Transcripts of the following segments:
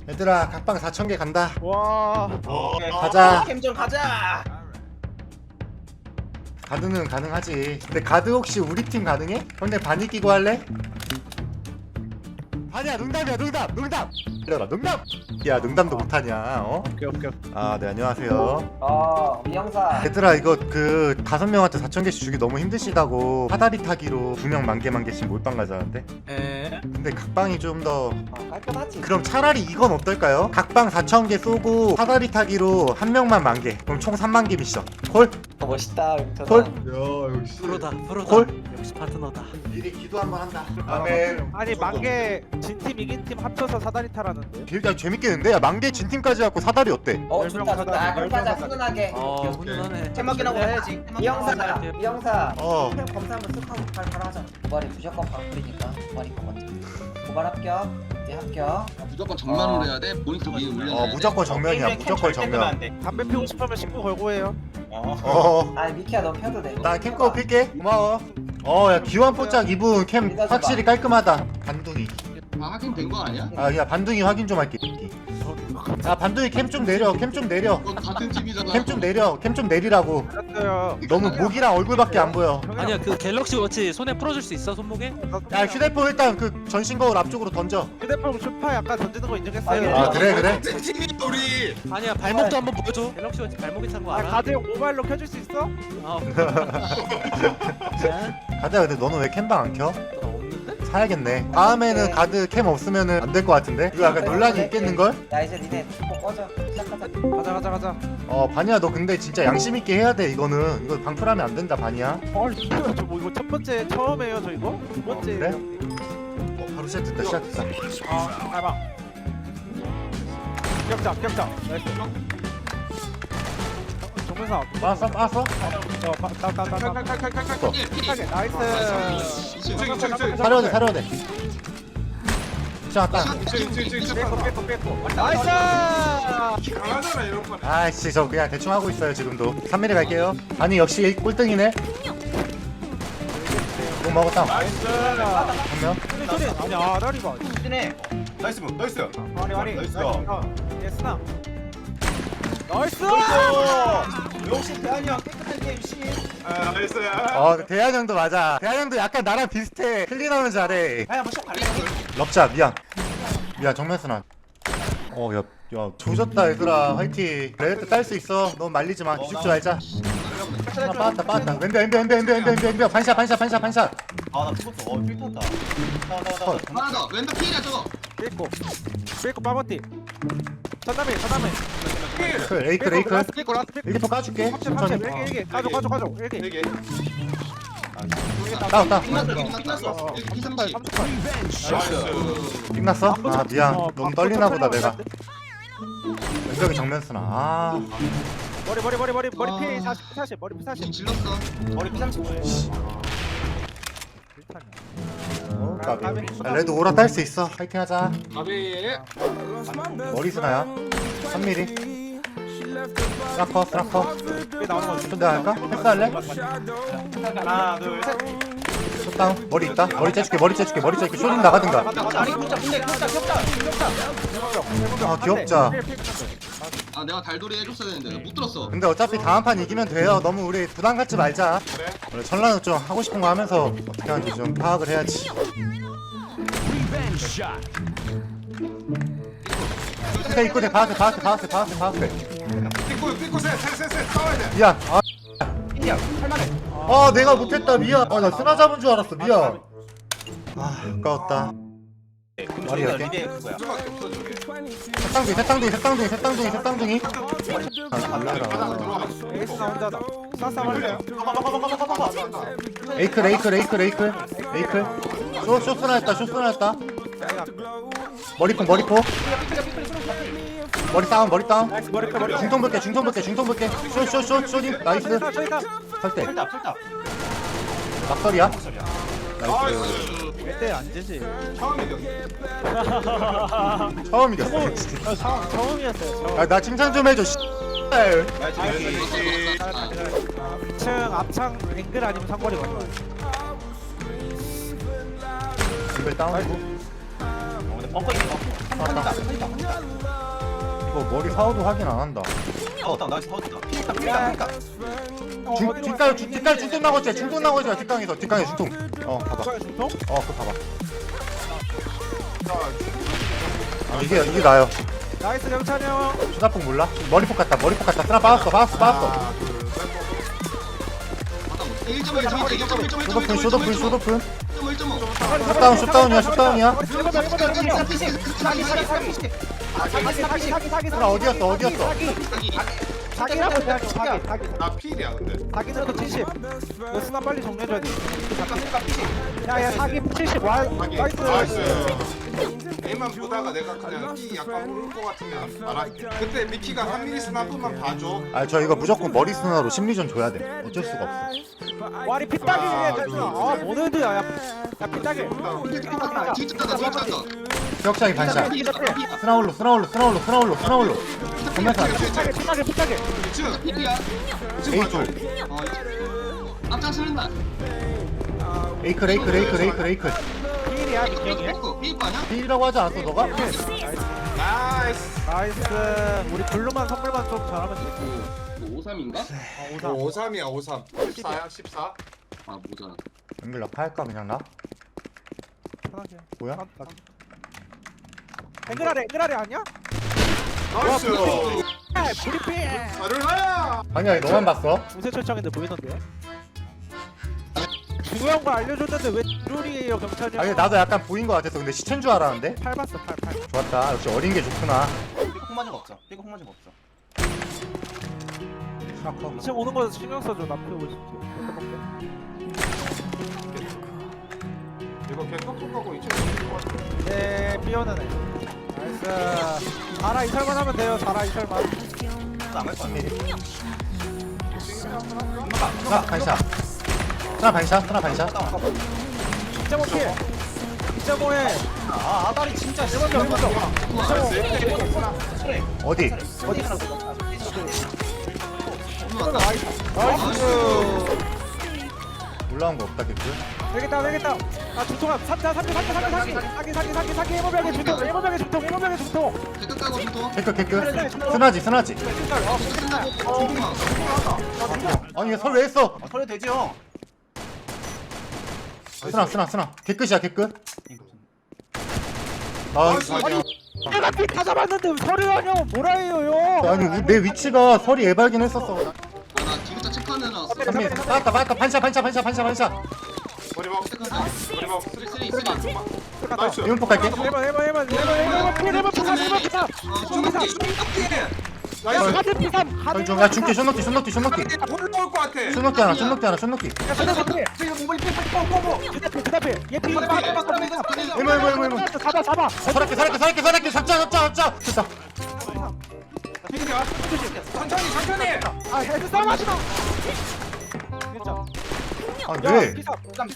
얘들아 각방 4,000개 간다. 와. 가자. 캠 좀 가자. 가드는 가능하지. 근데 가드 혹시 우리 팀 가능해? 형네 바니 끼고 할래? 아니야 농담이야 농담 이러라 농담. 야 농담도 못하냐 어? 오케이. 아 네 안녕하세요. 미영사. 얘들아 이거 그 5명한테 4,000개씩 주기 너무 힘드시다고 사다리 타기로 2명 만 개씩 몰빵 가자는데. 근데 각방이 좀 더 깔끔하지. 그럼 차라리 이건 어떨까요? 각방 4,000개 쏘고 사다리 타기로 한 명만 10,000개. 그럼 총 30,000개 미션. 콜? 멋있다. 콜? 야 역시 프로다. 콜? 역시 파트너다. 미리 기도 한번 한다. 아멘. 아니 만개 진팀 이긴 팀 합쳐서 사다리 타라는데. 야 재밌겠는데? 야 만개 진팀까지 갖고 사다리 어때? 좋다. 그럼 가자. 훈훈하게. 훈훈하네. 캠마기라고 해야지. 미영사. 어. 캠 검사 한번 쓱 하고 바로 하자. 고발이 무조건 방풀이니까 고발이 거 먼저. 고발 합격. 이제 합격. 무조건 정면으로 해야 돼. 모니터 위에 올려놔야 돼. 무조건 정면이야. 무조건 정면. 담배 피우고 싶으면 신고 걸고 해요. 아 미키야 너 펴도 돼. 나 캠거 필게. 고마워. 야 기완 포짝 입은 캠 확실히 깔끔하다. 반둥이. 아 확인된 거 아니야? 야 반둥이 확인 좀 할게. 야 반둥이 캠 좀 내려. 캠 좀 내려. 너 같은 팀이잖아. 캠 좀 내려. 캠 좀 내리라고. 알았어요. 너무 목이랑 얼굴밖에 안 보여. 아니야 그 갤럭시 워치 손에 풀어줄 수 있어 손목에? 야 휴대폰 일단 그 전신 거울 앞쪽으로 던져. 휴대폰 슈파 약간 던지는 거 인정했어요. 아 그래. 팀이 우리. 아니야 발목도 한번 보여줘. 갤럭시 워치 발목에 찬 거 아 알아? 가드형 모바일로 켜줄 수 있어? 아, 자, 가자. 근데 너는 왜 캠방 안 켜? 나 없는데? 사야겠네. 다음에는 가드 캠 없으면은 안 될 것 같은데? 이거 약간 논란이 있겠는걸? 야 이제 니네 꼭 꺼져. 시작하자. 가자. 바니야 너 근데 진짜 양심 있게 해야 돼 이거는. 이거 방풀하면 안 된다 바니야. 저뭐 이거 첫 번째 처음이에요 저 이거? 두 번째. 그래? 바로 시작됐다 시작됐다. 알바. 격자. 나이스. 정면사. 빠았어? 따따따따. 예, 나이스. 사려야 돼. 시작했다. 빼고. 나이스. 아이씨 저 그냥 대충 하고 있어요 지금도. 3mm 갈게요. 아니 역시 꼴등이네. 뭐 먹었다. 나이스. 한 명. 소리. 아니 아다리가. 진해. 나이스 나이스 아니. 나이스. 예스나. 나이스. 역시 대한이 형 깨끗한 게임 시. 나이스 대한 형도 맞아. 대한 형도 약간 나랑 비슷해. 클린하면 잘해. 아야 뭐쇼 갈래? 럽자 미안 정면 순환. 야 조졌다 얘들아. 화이팅. 레드 딸 수 있어. 너무 말리지 마. 기죽지 말자. 빠았다. 왼벽 반샷. 아나 죽었어 필탔다 하나 더. 왼쪽 피해야 저거. 빼고 빠버티. 전남이. 레이클 빼고 라스트 빼고. 일기포 까줄게. 천천히. 일기. 가져. 일기. 되게 따 끝났어. 138. 나이스 끝났어? 아 미안. 너무 떨리나 보다 내가. 왼벽이 정면 순환. 머리 피 40 머리 피 40. 질렀어. 머리 피상치. 까비. 레드 오라 딸 수 있어. 화이팅 하자. 가비. 머리 스나야. 3mm. 스라커. 왜 나오는 거지? 좀 내가 할까? 패스할래? 하나 둘셋 숏다운. 머리 있다. 머리 째줄게. 쇼딩 나가든가. 아니 격자 근데 격자. 아 귀엽자. 아 내가 달돌이 해줬어야 되는데 나못 들었어. 근데 어차피 다음 판 이기면 돼요. 너무 우리 부담 갖지 말자. 원래 천라는 좀 하고 싶은 거 하면서 어떻게 하는지 좀 파악을 해야지. 근데 입고 돼. 파악해. 삐꾸 셋 싸워야 돼 미안. 인디야 할만해. 내가 못했다. 미안. 나 쓰나 잡은 줄 알았어. 미안. 아까웠다. 머리 열게. 리드에 그거야 수밖에 없어 저게 색상둥이. 에이스 나 혼자다. 싸싸 말래. 레이클. 쇼스나 했다. 머리포. 머리 다운. 나이스 머리. 중통 볼게. 쇼딩. 나이스. 설대. 풀다 막설이야. 나이스 1대 안 되지. 처음 이겼어. 진짜. 처음이었어요. 나 칭찬 좀 해줘. 나이스 2층 앞창 앵글 아니면 상거리 걸려. 이걸 다운이고. 먹고 있는 거. 한다. 이거 머리 사오도 확인 안 한다. 나이스 사우다. 피니까. 뒷갈 중통 나고 있지. 중통 나고 있지. 뒷강에 중통. 봐봐. 중통? 그거 봐봐. 이게 나요. 나이스 경찬이 형. 수다폭 몰라? 머리폭 같다. 쓰나 빠졌어. 하나, 둘, 셋. 1.1 쇼도푼. 1.5 슛다운이야. 사기 쓰나 어디였어? 사기라고 해야죠. 사기. 나 필이야 근데. 사기는 또 70. 이거 스나 빨리 정리해줘야 돼. 야야 사기 70. 와 하긴. 나이스. 나이스. A만 보다가 내가 그냥 B 약간 모를 것 같으면 말할게. 그때 미키가 3mm 한 번만 봐줘. 저 이거 무조건 머리 쓰나로 심리전 줘야 돼. 어쩔 수가 없어. 와리 피따기 중에 됐어. 모네드야. 야 피따기. 기억장이 반샷. 스나홀로. 전면사. 피따기. A2. 앞장 쓰는다. 레이크. 필이야 미경이. 삐거 아니야? B라고 하지 않았어 너가? 나이스. 나이스. 우리 블루만 선물만 좀 잘하면 돼. 53인가? 53. 53이야 53. 14야 14. 아 모자라. 연결 낙하할까 그냥 나? 편하게. 뭐야? 앵글아래 아니야? 나이스. 브리핑. 자르라. 아니야 너만 봤어? 우세철창인데 보이던데요? 중요한 거 알려줬는데 왜 룰이에요 경찰이? 아니 나도 약간 보인 거 같았어. 근데 시체인 줄 알았는데? 팔 봤어 팔. 좋았다. 역시 어린 게 좋구나. 삐걱 맞은 거 없어. 샤커. 2층 오는 거 신경 써줘. 나 피우고 싶지. 이거 걔 톡톡하고 이제. 네 삐오는 애. 나이스. 자라 이설만 하면 돼요. 자라 이설만. 스나 반샷. 스나 반샷. 2.5킬. 2.5에 아다리 진짜 어디? 나이스. 올라온 거 없다 개뿔. 되겠다. 아 중통아 사기 해보병의 중통. 댓글 까고 중통. 개끌. 스나지. 아니 얘 설 왜 했어? 소리 되지 형. 스나. 개끝이야. 내가 삐다 잡았는데 왜 소리 하냐? 뭐라 해요 형? 아니 내 위치가 설이 애발긴 했었어. 나 디귿자 체크하는 애나. 3미 빠졌다. 반샷. 머리 막. 쓰리. 나이스. 이문폭 갈게. 해봐. 나이스. 하드 피삼. 야 줄게. 쇼노키. 올라올 것 같아. 쇼노키 하나. 그다음에 얘 피. 이모. 잡아. 살았게. 잡자. 됐다. 필이야. 천천히. 아 헤드 싸움 하지 마. 아 왜? 피삼.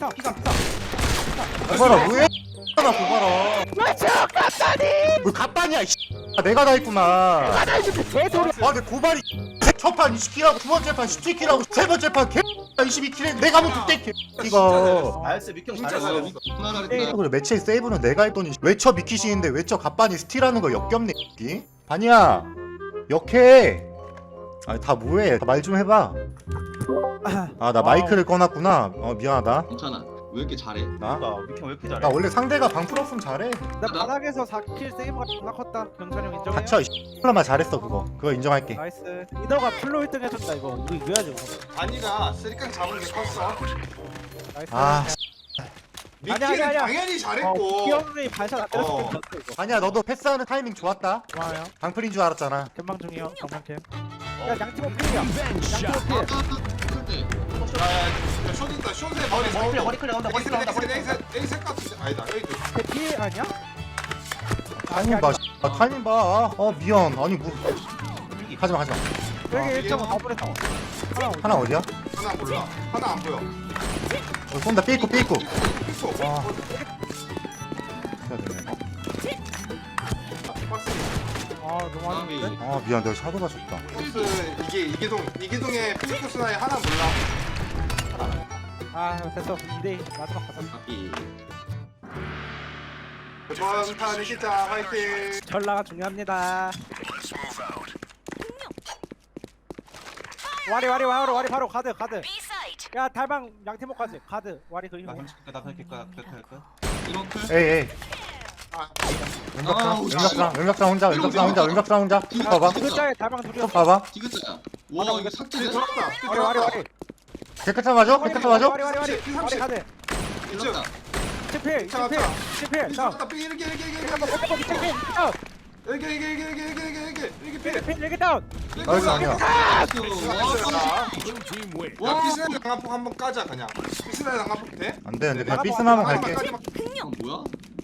고봐라 왜? 나 고봐라. 왜 갑반이야? 내가 다 했구만. 개소리. 근데 고발이 첫판 20킬하고 두 번째 판 17킬하고 세 번째 판 개 22킬에 내가 뭐 그때 개 이거. 나이스 미경 진짜 잘했어. 잘했어. 누나 잘했다. 그래 매치의 세이브는 내가 했더니 외쳐 미키시인데 외쳐 갑반이 스틸하는 거 역겹네. 이? 반이야 역해. 아니 다 뭐해? 말 좀 해봐. 아 나 마이크를 꺼놨구나. 미안하다. 괜찮아. 왜 이렇게 잘해? 나 미경 왜 이렇게 잘해? 나 원래 상대가 방 풀었으면 잘해. 나 바닥에서 4킬 세이브가 존나 컸다. 경찰 형 인정해요? 갇혀. 만 잘했어 그거 인정할게. 나이스. 리더가 플로 1등 해줬다 이거. 우리 이겨야지 그거. 아니가 쓰리깡 잡은 게 컸어. 나이스. 아 미키는 아니야. 당연히 잘했고. 기영이 반샷 안 때렸을 어. 때 이거. 아니야 너도 패스하는 타이밍 좋았다. 고마워요. 방풀인 줄 알았잖아. 금방 중이요. 정상캠. 야 양팀 오필이야. 양팀 오필. 그때 야, 숏 있다. 숏에 머리 클리어 나온다. 머리 클리어 나온다. 머리 클리어 나온다. A3 같은데. 아니다. A도. 대피 아니야? 타이밍 봐. 타이밍 봐. 미안. 아니 뭐. 하지마. 여기 1.5 더블에서. 하나 어디야? 하나 몰라. 하나 안 보여. 쏜다. 삐있고. 삐고. 와. 해야 되네. 박스. 아 너무 마음이 많은데? 미안. 내가 샤도가 졌다. 박스 이게 이기동의 필리프 스나의 하나 몰라. 아 됐어. 2대2 마지막 가자. 바삐. 이번 판 이기자 화이팅. 전라가 중요합니다. 와리 바로 가드. 야 달방 양팀목까지 가드 와리 그림. 나 그렇게 할까? 이렇게. 에이 왼벽상 혼자 쭉 봐봐 글자에 달방 둘이 쭉 봐봐 디귿자야. 와 이거 삭제돼? 들어왔다. 와리. 깨끗한 맞아? 와리 와리 가드. 이렇다. 치필. 자. 들어왔다. 이렇게. 이렇게 다운. 나이스 아니야 와 피스날 강화폭 한번 까자 그냥. 피스날 강화폭 돼? 안되는데 그냥 삐스나면 갈게 뭐야?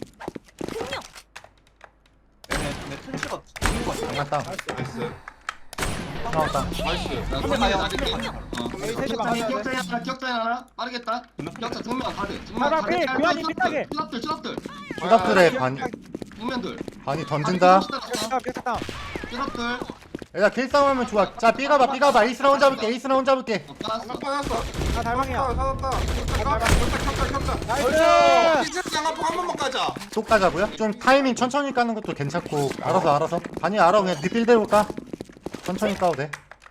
내 트래쉬가 장난다 나이스. 나왔다 나이스. 나 정면 가줄게. 에이, 셋이 막아야 돼. 격자 하나 빠르겠다. 격자 정면 가드. 정면 봐봐, 삐, 교환이 삐딱해. 쭈랍들. 추닥들의 정면들. 반이 던진다 깨끗다. 쭈랍들. 야 길싸움하면 좋아 자 삐가봐 에이스나 혼자 볼게 하나 빠졌어. 나 달방이야. 살았다. 겹자. 나이스. 피스날 강화폭 한 번만 까자. 또 까자고요? 좀 타이밍 천천히 까는 것도 괜찮고 알아서 반이 알아 그냥 네 빌대로 까 천천히 까도 돼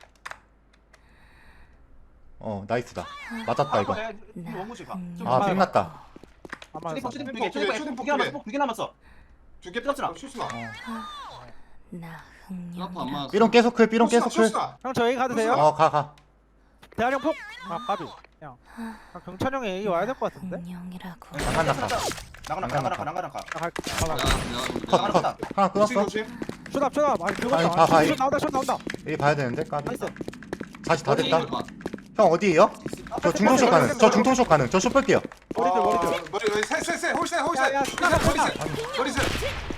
나이스다 맞았다 이거 원무지 가. 아 빅났다 아마 두개 남았어. 두개 삐졌잖아. 슈스나. 쭈랍 안 맞았어. 삐롱 계속 클 슈스나. 형 저 A 가도 돼요? 가 대한형 폭. 아 까비. 형. 경찬 형이 A 와야 될 것 같은데? 장난 났다 나가나. 나 갈게. 가봐. 컷 하나 끊었어 조심. 쇼답. 아니 그거 아니, 다 봐, 숏 나온다. A 봐야 되는데 까비 나이스. 다시 다 됐다 형 어디에요? 저 중통쇼 가능 저 쇼 볼게요 머리들. 머리 세 홀셋. 야, 머리 셋.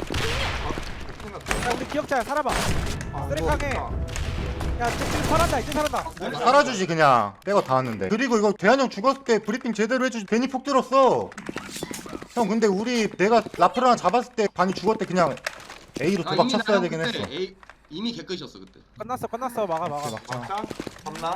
야 우리 기억자야 살아봐. 쓰레기하게. 야 지금 살았다. 살아주지 그냥 빼고 다 왔는데 그리고 이거 대한형 죽었을 때 브리핑 제대로 해주지 괜히 폭 들었어 형 근데 내가 라프랑 잡았을 때 반이 죽었을 때 그냥 A로 도박 쳤어야 되긴 했어 이미 개끝이었어 그때. 끝났어. 막아. 자, 겁나.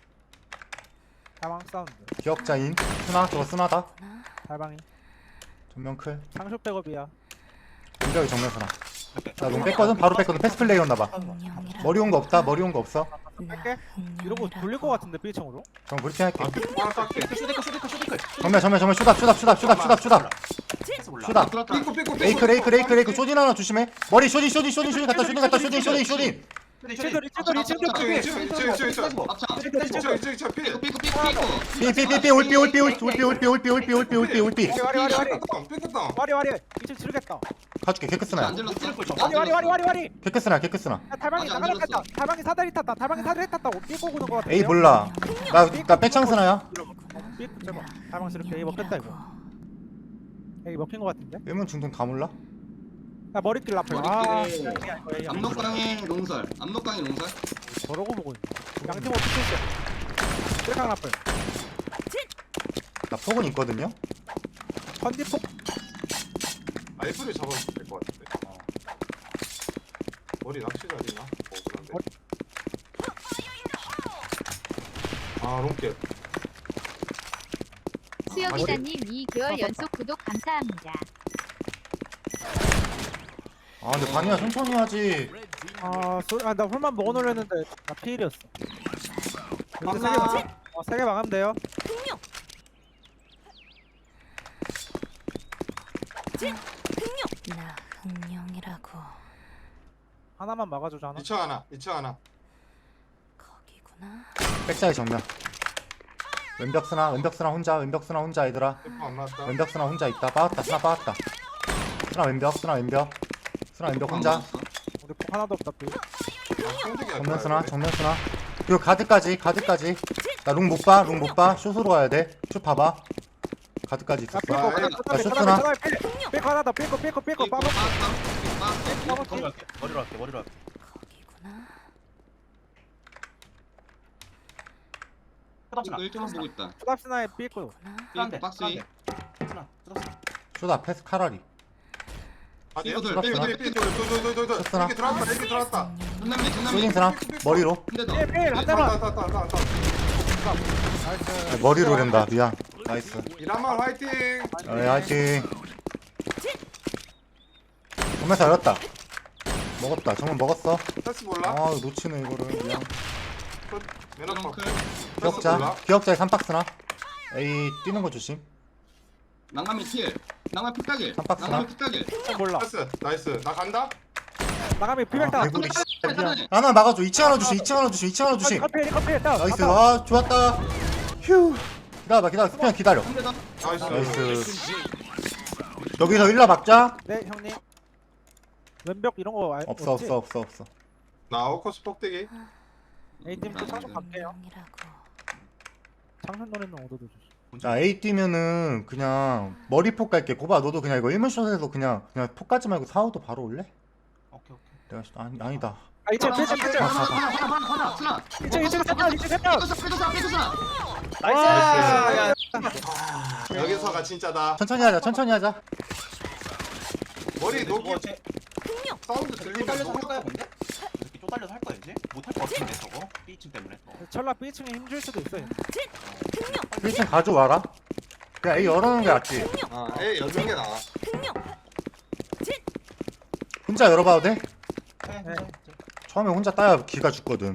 달방 사운드. 기억자인 스나 저거 스나다 달방이. 전면 클 상쇼 백업이야. 공격이 정면 스나 나롱 뺐거든 바로 뺐거든 패스 플레이였나봐 머리 온 거 없어 할게. 이러고 돌릴 것 같은데 B층으로. 전 브리핑 할게 하나 깎게. 정면 슈다 삐꾸. 레이크 쇼딘 하나 조심해 머리 쇼딘 갔다 쇼딘 리치돌. 삐삐삐삐 올삐 와리. 이층 지르겠다. 가줄게 개크스나야 안 질렀어? 와리. 개크스나 야 달방이 아직 안 나가겠다. 달방이 사다리 탔다. 삐고 구는 거 같아. 에이 몰라 나 빼창스나야 삐고 잡아. 달방 지를게. 에이 먹겠다 이거. 에이 먹힌 거 같은데? 일문 중동 다 몰라? 야 머리길 라플. 머리길에 압록강의 롱설. 저러고 보고 있네. 양팀 어떻게 했어? 쓰레강 라플. 나 폭은 있거든요? 컨디폭. 아이프를 잡아도 될것 같은데. 머리 낚시 자리나? 그런데. 롱캡. 수혁이다님 2개월 연속 구독 감사합니다. 근데 반이야 천천히 하지 나 홀만 먹어놓으려는데 나 피일이었어. 감사. 3개 막으면 돼요. 나 흥룡이라고. 하나만 막아주자 하나. 2차 하나. 거기구나. 백사이 정면 왼벽스나 혼자 얘들아 삐꾸 안 나왔다. 왼벽스나 혼자 있다 빠았다 스나 빠았다 스나 왼벽 혼자 우리 폭 하나도 없다 삐. 정면 스나 그리고 가드까지 나 롱 못봐 슛으로 가야 돼슛 봐봐 가드까지 있었어 나 쇼트나 삐고 하나 더 삐고 빠고. 머리로 할게. 거기구나. 뜯었잖아. 1점만 보고 있다. 수납스나에 삐고. 삐꾸 박스 위. 쇼다 패스 카라리 삐꾸들. 쇼스나 이렇게 들어왔다. 전남미. 쇼딩 스나 머리로 근데 너. 한 대만. 머리로 된다 미안 나이스 이라마 화이팅. 화이팅 정면사 열었다. 먹었다. 정면 먹었어. 패스 몰라? 아 놓치네 이거를. 미안. 맨 앞. 덩크. 기억자. 기억자에 3박스나. A 뛰는 거 조심. 낭만이 필. 낭만 핏다길. 깜빡스나. 낭만 핏다길. 몰라. 패스 나이스. 나 간다. 나가면 피백다. 개구리. 미안. 하나 막아줘. 2층 하나 주심. 2층 하나 주심. 2층 하나 주심. 커피 일단. 나이스. 아 좋았다. 휴. 기다려. 스피언 기다려. 한대 더. 나이스. 나이스. 여기서 일라 막자. 네 형님. 왼벽 이런 거 없어. 나 오커스 폭대기. A팀 또 상점 갈게요. 장선 노래는 얻어도 주시. 자 A 뛰면은 그냥 머리폭 갈게. 고바 너도 그냥 이거 1문샷에서 그냥 폭 가지 말고 4호도 바로 올래? 오케이. 내가 아니다. 아 이제 필자. 하나. 이제 색깔. 빼줬어. 나이스. 여기서가 진짜다. 천천히 하자. 머리 녹이 뭐 쟤 사운드 들리면 쪼달려서 할 녹. 거야 근데? 이렇게 쪼달려서 할 거야 이제? 못할 거 같은데 저거? B층 때문에 철라 B층에 힘줄 수도 있어요. 1층 가져와라. 그냥 A 열어놓는 게 낫지. 아, 에 열는 게 나아. 혼자 열어봐도 돼? 네. 처음에 혼자 따야 기가 죽거든.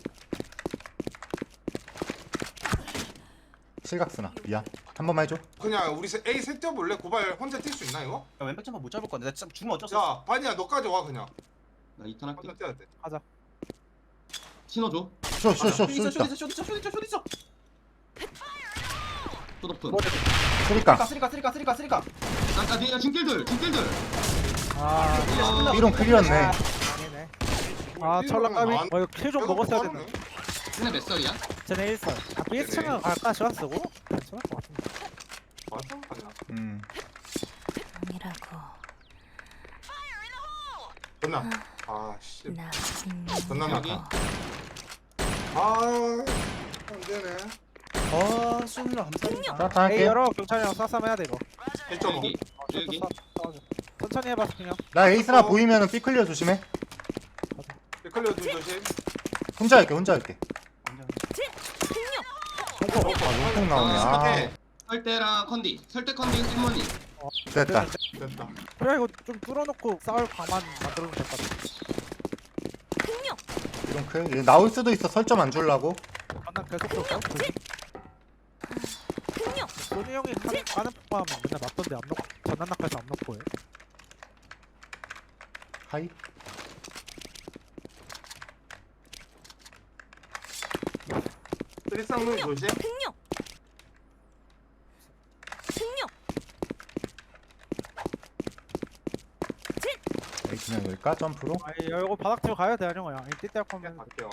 실각스나 미안. 한 번만 해줘. 그냥 우리 A 셋 뛰어볼래? 고발 혼자 뛸 수 있나 이거? 야, 왼쪽 점퍼 못 잡을 건데 나 진짜 죽으면 어쩔 수 야, 없어. 반이야 너까지 와 그냥. 나 2탄 할게. 혼자 뛰어야 돼. 신호 줘. 쇼 쇼 있다. 쇼 있어. 소도픈. 소리까. 쓰리까. 아까 뒤에 중길들. 아 B롱 클리었네. 아니네. 아 철라 까비. 이거 킬좀 먹었어야 되네. 되네. 쟤네 몇 살이야? 쟤네 1살. 아 B층은 갈까 시간 쓰고 괜찮을 것 같은데. 맞아? 아니야. 끝나. 아 씨. 끝나 여기. 나다. 아, 안 되네. 아 수현아 감사합니다. 자, 다 A 할게. 열어 경찰이랑 싸싸면 해야 돼 이거. 1.5. 여기. 여기. 싸워줘. 천천히 해봐 그냥. 나 에이스나 보이면은 B 클리어 조심해. 클리어 둘 조심. 혼자 할게. 롱폭 나오네. 아 네. 설대랑 컨디. 설대 컨디 할머니. 됐다. 됐다. 그래 이거 좀 뚫어놓고 싸울 방만 만들어도 될 것 같아. B롱 클. 얘 나올 수도 있어. 설점 안 줄라고. 만나 계속 쏠까? 소니 형이 까는 폭파하면 맨날 맞던데 안 넣고 전난 낙하에서 안 넣고 해. 하이. 쓰리쌍문 조심. 에이 그냥 열까 점프로? 아 이거 바닥 뒤로 가야 돼 아니야. 이때 때 하면 갈게요.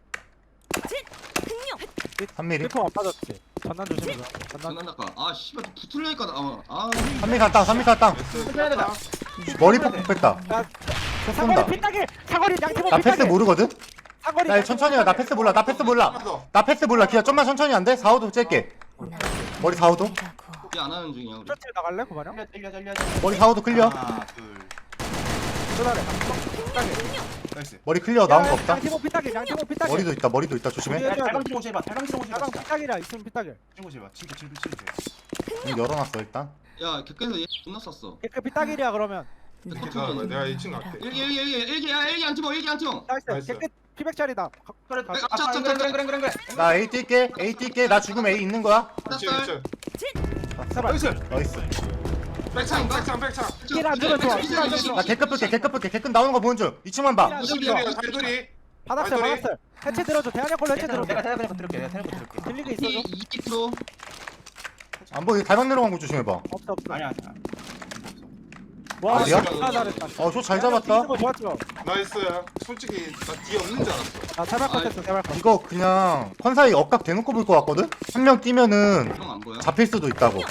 3mm. 리포 안 빠졌지. 전난 조심해서. 전난 장난 닦아. 아 씨발 또 붙을라니까 나. 아. 3mm 땅. 머리폭 뺐다. 저 사거리 쏜다. 핏나게 사거리 양팀 나 패스 모르거든? 사거리 나 천천히 해. 나 패스 몰라. 나 패스 몰라. 기아 좀만 천천히 안 돼? 4호도 찔게. 머리 4호도. 안 하는 중이야 우리. 셔틀 나갈래 구마령? 일려. 머리 4호도 클리어. 하나 둘. 쏘다래. 핏나게. 나이스. 머리 클리어 나온 거 없다. 양팀 핏나게. 양팀 핏나게. 머리도 있다. 조심해. 야, 달방지로 오지 마. 달방지로 오지 마. 야방 핏나게라 있으면 핏나게. 오지 마. 진짜. 문 열어놨어 일단. 야 객관에서 얘 존나 썼어. 그 핏나게리야 그러면. 내가 2층 갈게. 일기 안 팀어. 나이스. 나이스. 깨끗 피백짜리다. 그래. 아, 그래. 나 A 뛸게. 나 죽으면 A 있는 거야. 2층. 제발. 나이스. 나이스. 백창. 킬안 주면 좋아. 킬안 주면 좋아. 나 개급 볼게. 개급 나오는 거 보는 중. 2층만 봐. 52야 달돌이. 바닥살. 해체 들어줘. 대한형 걸로 해체 들어줘. 내가 대답 들을게. 들리게 있어줘. 2% 안 보이. 달방 내려간 거 조심해봐. 없어. 아니야. 와, 어디야? 진짜 잘했다. 저 잘 잡았다. 이거 좋았죠. 나이스. 솔직히 나 뒤에 없는 줄 알았어. 아, 제발 컷했어. 제발 컷. 이거 그냥 컨사이 억각 대놓고 볼 것 같거든? 한 명 뛰면은 형안 보여? 잡힐 수도 있다고.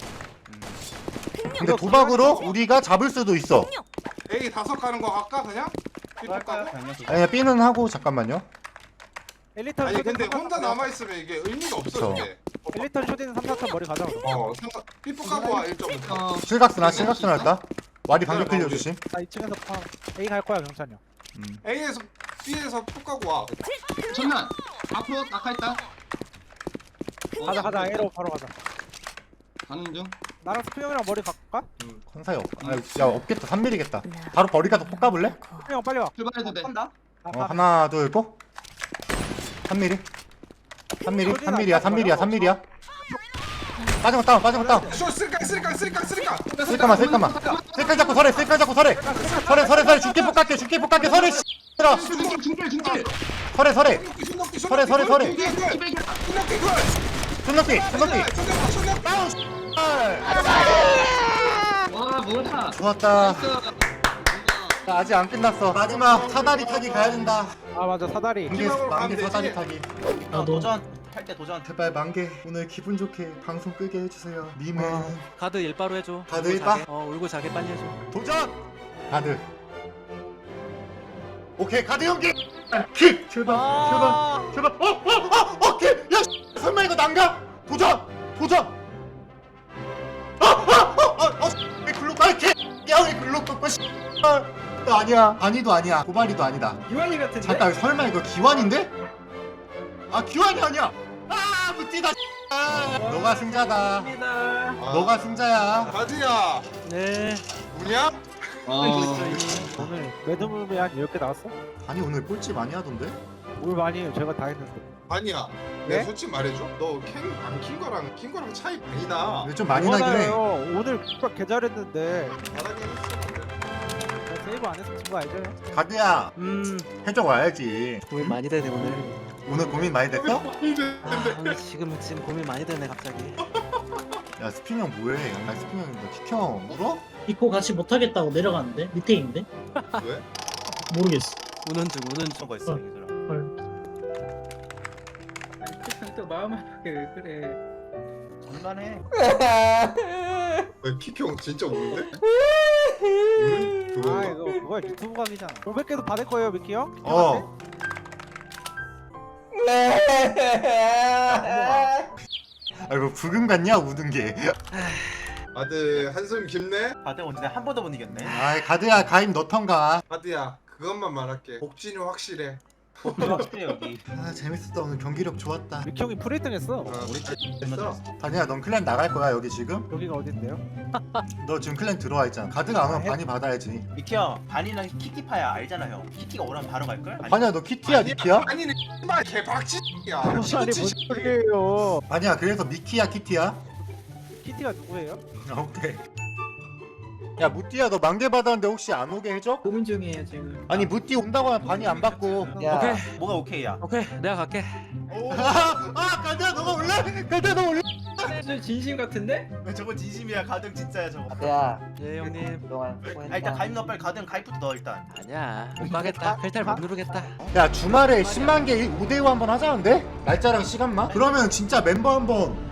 근데 도박으로 우리가 잡을 수도 있어. A 5 가는 거 할까 그냥? 삐폭 가고? 아니 B는 하고 잠깐만요. 엘리턴 아니 근데 쇼딘 혼자 3, 4턴. 남아 있으면 이게 의미가 없어 그쵸. 이게. 엘리턴 쇼딘 3, 4턴 머리 가자. 삐폭 가고 와 1.5. 실각스나 할까? 와리 방금 클리어 조심. 나 2층에서 A 갈 거야, 경찬이 형. A에서 B에서 폭 가고 와. 전난 앞으로 낙하했다. 가자. A로 바로 가자. 가는 중. 나랑 스피 형이랑 머리 갈까? 컨사이 없. 야 없겠다. 3mm겠다. 바로 버리 가서 폭 가볼래? 스피 형 빨리 와. 출발해도 돼. 한다. 하나 둘 고. 3mm. 3mm. 3mm야. 3mm야. 3mm야. 빠진 거 다운. 빠진 거 다운. 쇼 쓸까. 쓸까만. 쓸까 잡고 설해. 쓸까 잡고 설해. 설해. 죽게 폭 갈게. 죽게 폭 갈게. 설해. 들어. 중길. 설해. 설해. 설해. 손넘기. 와 뭐야. 좋았다. 나이스. 나 아직 안 끝났어. 마지막 사다리 타기 가야 된다. 아 맞아 사다리. 만개 사다리 타기. 도전. 할 때 도전. 제발 만개 오늘 기분 좋게 방송 끄게 해주세요. 님은 가드 일바로 해줘. 가드 울고 일바? 자게. 울고 자게 빨리 해줘. 도전. 가드. 오케이 가드 연기. 킥. 제발. 킥. 야 설마 이거 난가? 도전. 왜 글로 가? 킥. 야왜 글로 꺾고 아니야. 아니도 아니야. 고발이도 아니다. 유한이 같은데? 잠깐 설마 이거 기완인데? 아 기완이 아니야. 무티다. 너가 승자다. 너가 승자야. 가드야 네. 우냐? 오늘 매드물이 한 10개 나왔어? 아니 오늘 꼴찌 많이 하던데? 뭘 많이 해요. 제가 다 했는데. 아니야. 네? 내가 솔직히 말해줘. 너캔안킨 거랑 차이 많이 나. 좀 많이 나긴 해. 뭐하나요? 오늘 X박 개 잘했는데 바닥에 있어. 제가 세이브 안 했으면 진거 알죠? 가드야 해적 와야지. 고민 많이 되네 오늘. 오늘 고민 많이 됐어? 오늘 지금 고민 많이 되네 갑자기. 야 스핀 형 뭐해? 야 스핀 형 너 키형 울어? 이코 같이 못하겠다고 내려가는데 밑에 있는데 왜? 모르겠어. 우는 중. 거 있어. 또 마음 아프게 왜 그래? 장난해. 왜 키평 진짜 우는데? 아 그건가? 이거 뭐야 유튜브 각이잖아. 500개도 받을 거예요 미키 형? 어. 아이고 부금 같냐 우는 게. 아들 한숨 깊네? 다들 언제 한 번도 못 이겼네. 아이 가드야 가임 너턴가. 가드야 그것만 말할게. 복진이 확실해. 확실해 여기. 아 재밌었다. 오늘 경기력 좋았다. 미키 형이 프리등 했어. 우리 됐어. 다니야 넌 클랜 나갈 거야 여기 지금? 여기가 어딘데요? 너 지금 클랜 들어와 있잖아. 가드가 안 오면 반이 받아야지. 미키 형 반이랑 키키파야 알잖아 형. 키키가 오라면 바로 갈 걸? 반이야 너 키티야 니키야? 아니네. 씨발 개박치야. 아니 뭔 소리예요? 반이야 그래서 미키야 키티야? 키티가 누구예요? 오케이. 야 무띠야 너 만개 받았는데 혹시 안 오게 해줘? 고민 중이에요 지금. 아니 무띠 온다고 하면 반이 안 받고. 야 오케이. 뭐가 오케이야? 오케이 내가 갈게. 가드야 너가 올래? 가드야 너 올래? 진심 같은데? 저거 진심이야. 가등 진짜야 저거. 가드야 예 형님. 그동안 아 일단 수고했다. 가입 넣어 빨리 가등 가입부터 넣어 일단. 아니야 못 가겠다. 펠탈 못 누르겠다. 야 주말에 10만 개 5대5 한번 하자는데? 날짜랑 시간만? 그러면 진짜 멤버 한번